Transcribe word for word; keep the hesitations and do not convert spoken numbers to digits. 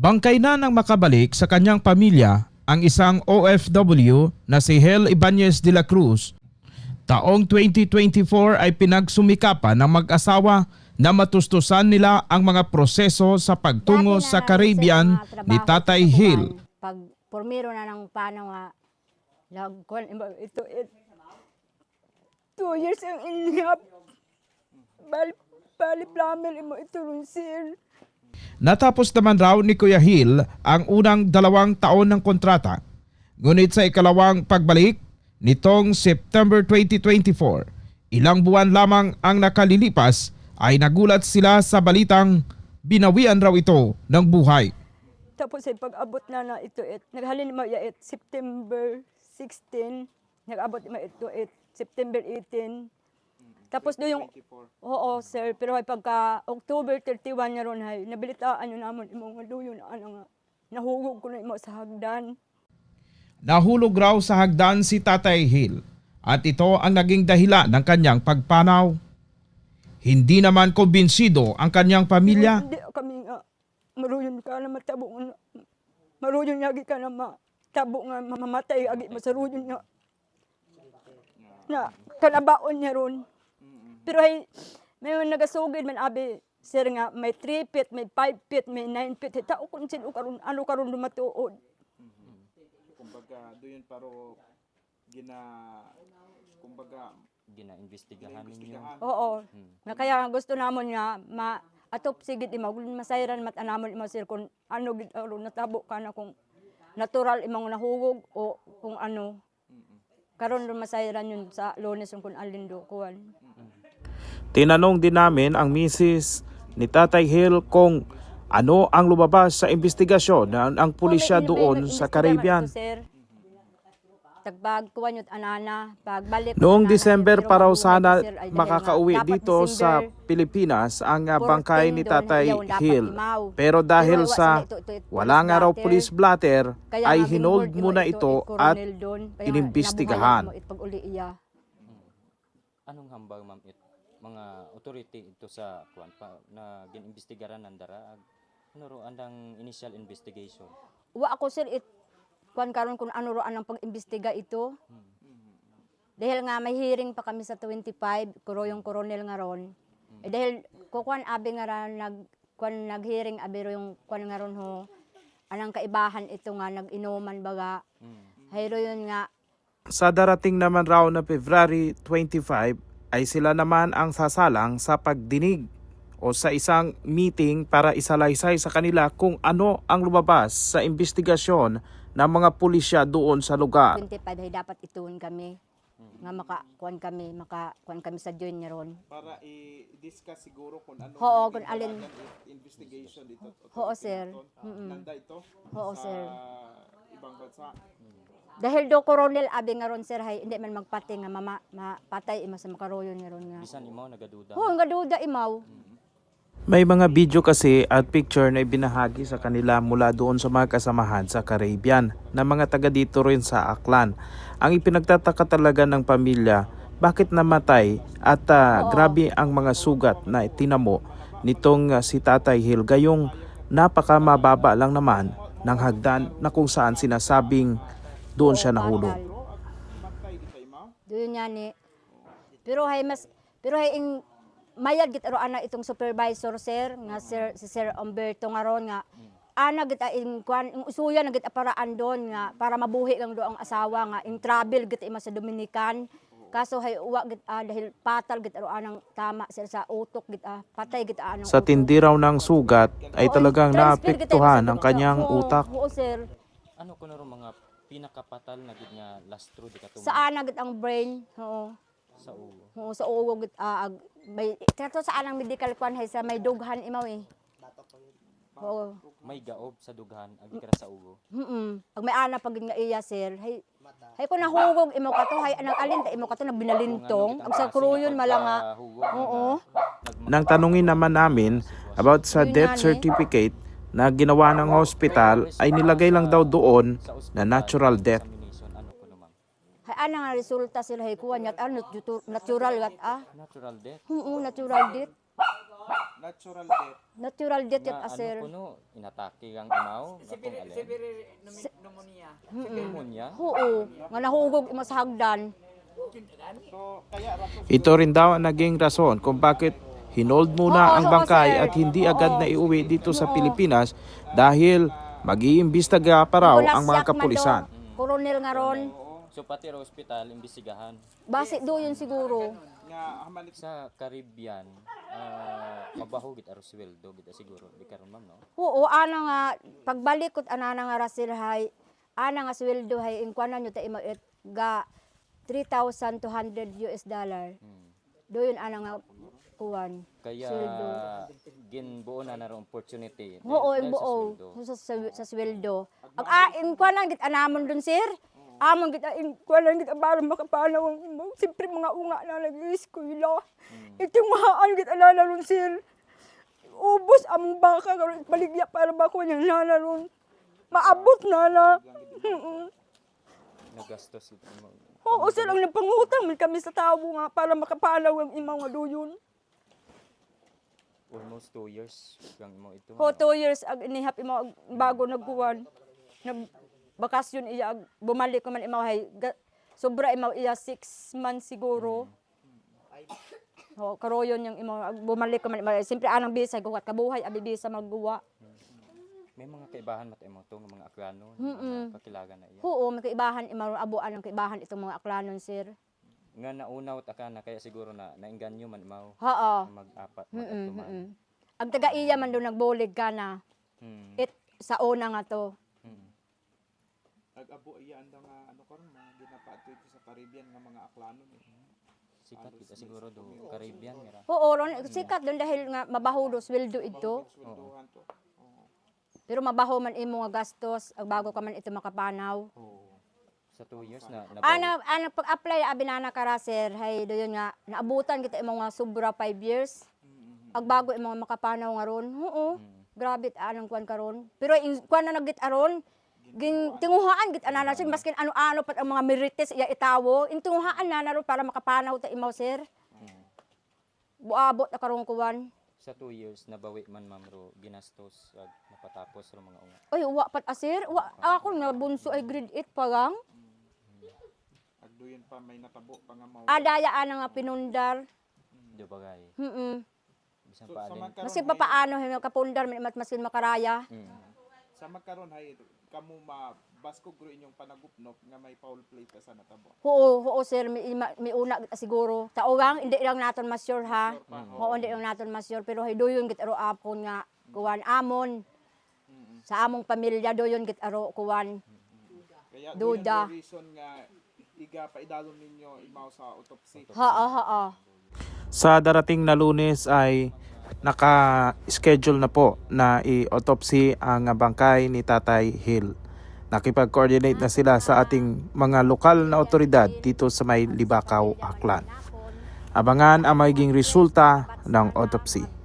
Bangkay na nang makabalik sa kanyang pamilya ang isang O F W na si Hel Ibanez de la Cruz. Taong twenty twenty-four ay pinagsumikapan ng mag-asawa na matustusan nila ang mga proseso sa pagtungo sa Caribbean ni Tatay Hel. Pag pormiro na ng paano nga, lagkon, ito, it, two years ang inhap, bali, bali plamel mo ito sir. Natapos naman raw ni Kuya Hel ang unang dalawang taon ng kontrata. Ngunit sa ikalawang pagbalik, nitong September twenty twenty-four, ilang buwan lamang ang nakalilipas ay nagulat sila sa balitang binawian raw ito ng buhay. Tapos ay pag-abot na na ito, it, naghalin mo ya it, September sixteen, nag-abot mo ito it, September eighteen. Tapos do yung, oo sir, pero ay pagka October thirty-one na ron ay nabilitaan nyo naman imong maluyo na ano nga, nahugog ko na imo sa hagdan. Nahulog raw sa hagdan si Tatay Hel at ito ang naging dahilan ng kanyang pagpanaw. Hindi naman kumbinsido ang kanyang pamilya. Hindi kami nga, maruyon ka na matabo nga, maruyon yagi ka na matabo nga, mamamatay agi masaruyon nga. Na, kanabaon niya ron. Pero ay, may nagasugid man abi, sir nga, may three feet, may five feet, may nine feet. Tao kung sino karon, ano karon lumatuod. Kumbaga, doon paro gina, kumbaga, gina-investigahan ninyo. Oo. Hmm. Na kaya gusto namon nga, ma, atop sigit ima, masayran mat anamon ima sir, kung ano, gid aron natabo ka na kung natural imong nahugog o kung ano. Karon ron masayran yun sa Lunes kung alindo kuwan. Tinanong din namin ang misis ni Tatay Hel kung ano ang lumabas sa investigasyon ng ang pulisya doon sa Caribbean. Tagbag kuwan yun anana, pagbalik. Noong December pa raw sana makakauwi dito sa Pilipinas ang uh, bangkay ni Tatay Hel. Pero dahil sa wala nga raw police blatter ay hinold muna ito at inimbestigahan. Anong hambag ma'am it mga authority ito sa kuan pa na ginimbestigaran nandara? Ano ro andang initial investigation? Wa ako sir it kuan karon kung ano ro anang pag-imbestiga ito. Hmm. Dahil nga may hearing pa kami sa twenty-five, kuro yung coronel nga ron. Hmm. Eh dahil kukuan abi nga ra nag kuan nag-hearing abi ro yung kuan nga ron ho. Anang kaibahan ito nga nag-inuman baga. Hmm. Hayro yun nga. Sa darating naman raw na February twenty-five ay sila naman ang sasalang sa pagdinig o sa isang meeting para isalaysay sa kanila kung ano ang lumabas sa investigasyon ng mga pulisya doon sa lugar. twenty-five ay dapat ituon kami. Hmm. Nga makakuan kami, makakuan kami sa join niya ron. Para i-discuss siguro kung ano Oo, kung alin investigation dito. Oo, sir. Nanda ito Oo, sa sir. ibang bansa. Dahil do coronel abi nga ron sir hay hindi man magpati nga mama mapatay ima sa makaroyon nga ron nga. Bisan imaw nagaduda. Oo, nagaduda imaw. May mga video kasi at picture na ibinahagi sa kanila mula doon sa mga kasamahan sa Caribbean na mga taga dito rin sa Aklan. Ang ipinagtataka talaga ng pamilya, bakit namatay at uh, grabe ang mga sugat na itinamo nitong uh, si Tatay Hel, gayong napakamababa lang naman ng hagdan na kung saan sinasabing doon siya nahulog. Doon niya ni. Pero hay mas pero hay ing mayad git aro ana itong supervisor sir nga sir si Sir Umberto nga ron nga ana git ing kwan ing usuya na git paraan doon nga para mabuhi lang do ang asawa nga ing travel git ima sa Dominican. Kaso hay uwa git ah, dahil patal git aro anang tama sir sa utok git ah, patay git anang sa tindi raw ng sugat ay talagang naapektuhan ang kanyang utak. Oo sir. Ano kuno ro mga pinakapatal na gid nga lastro di katong Sa ana git ang brain. Oo. sa ulo. Oo, sa ulo git ah, ag- may kato sa anang medical kwan hay sa may dughan imaw eh. Oo. May gaob sa dughan agi kara sa ulo. Mm. Pag may ana pag nga iya sir, hay hay ko nahugog imo kato hay anang alin ta imo kato nagbinalintong ag sa kruyon malanga. Oo. Nang tanungin naman namin about sa death certificate na ginawa ng hospital ay nilagay lang daw doon na natural death. Ano kuno ma'am? Hay ana nga resulta sila hay kuwan yat ano natural gat ah. Natural death. Oo, natural death. natural death. Natural death yun, Nga ah, ano sir. kuno inatake kang amaw akong alin. pneumonia. Pneumonia. Oo, nga nahugog imo sa hagdan. So, kaya rato Ito rin daw ang naging rason kung bakit hinold muna Oo, ang oo, bangkay sir. at hindi agad Oo. na iuwi dito sa Oo. Pilipinas dahil mag-iimbestiga pa raw Nicolas ang mga Jackman kapulisan. do, Coronel nga ron. So pati ra ospital imbestigahan. Basi do yun siguro. nga hamanik Sa Caribbean, ah, mabaho gid aro sweldo gid siguro di karon ma'am no. Oo, ana nga pagbalik ko ana nga rasil hay, ana nga sweldo hay ingkwanan nyo ta imo it ga three thousand two hundred U S dollar. Hmm. Do yun ana nga kuwan. Kaya Sweldo. ginbuo na na ro opportunity. Oo, dahil ang sa buo sweldo. sa, sa, sa sweldo. Ang ah, ingkwanan git anamon dun sir. Amon git ingkwanan git para makapanaw ang imo. Siyempre mga unga na nag-eskwela. Itong mahaan git anana ron sir. Ubos ang baka karon baligya para ba ko nang nana ron. Maabot na na. Mm-mm. Nagastos ito mo. Oo, sir, ang napangutang man kami sa tao nga para makapanaw ang imong nga duyon. Almost two years kang mo ito. Ho, two years ag inihap imo ag bago nagkuwan. Nag bakasyon iya ag bumalik ko man imaw hay ga- sobra imaw iya six months siguro. Ho, karoyon yung imo ag bumalik ko man imaw. Siyempre anang bisa guwat kabuhay abi bisa magguwa. May mga kaibahan mat imo to nga mga aklano, Mm-mm. mga kakilagan na iya. Oo, may kaibahan imaw abuan ang kaibahan itong mga aklanon sir. Nga naunaw ta ka na kaya siguro na nainganyo man imaw Oo. mag-apat Mm-mm, mag-atuman. mm-mm. Ang taga iya man do nagbulig ka na. Hmm. It sa una nga to. Hmm. nag-abo iya anda nga ano karon mga ginapato ito sa Caribbean nga mga aklanon eh. Sikat kita siguro do Caribbean mira. Oo, ron sikat doon dahil nga mabaho do sweldo ito. Sweldohan to. Oo. Pero mabaho man imo nga gastos ag bago ka man ito makapanaw. Sa two years na nabawi. Ana ana pag-apply abi na na kara sir, hay doyon nga naabutan kita imo nga sobra five years. Ag bago imo nga makapanaw nga ron. Oo. Grabe ta anang kuan karon. Pero in kuan na nagit aron gin tinguhaan git ana na sir maskin ano-ano pat ang mga merites iya itawo. Intinguhaan na na ron para makapanaw ta imaw sir. Buabot na karon kuan. Sa two years nabawi man ma'am ro ginastos ag napatapos ro mga unga. Ay, wa pat asir. Wa, ako nga bunso ay grade eight pa gang. Agduyon pa may natabo pa nga mao. Adaya ana nga pinundar. Do bagay. Mm. Bisan So, pa sa alin. magkaroon Kasi hay- papaano hin kapundar man mas maskin makaraya. Mm. sa magkaroon hay kamo ma basko gro inyong panagupnop nga may foul play ta sa natabo. Oo, oo sir, mi, ma- mi una kita siguro. Taogang hindi lang naton mas sure ha. Oo, hindi lang naton mas sure pero hay doyon git aro apon nga kuwan amon. Sa among pamilya doyon git aro kuwan. Kaya Duda. duda. Reason nga iga pa idalon ninyo imaw sa autopsy. Ha, ha, ha. Sa darating na Lunes ay naka-schedule na po na i-autopsy ang bangkay ni Tatay Hill. Nakipag-coordinate na sila sa ating mga lokal na otoridad dito sa may Libakaw, Aklan. Abangan ang magiging resulta ng autopsy.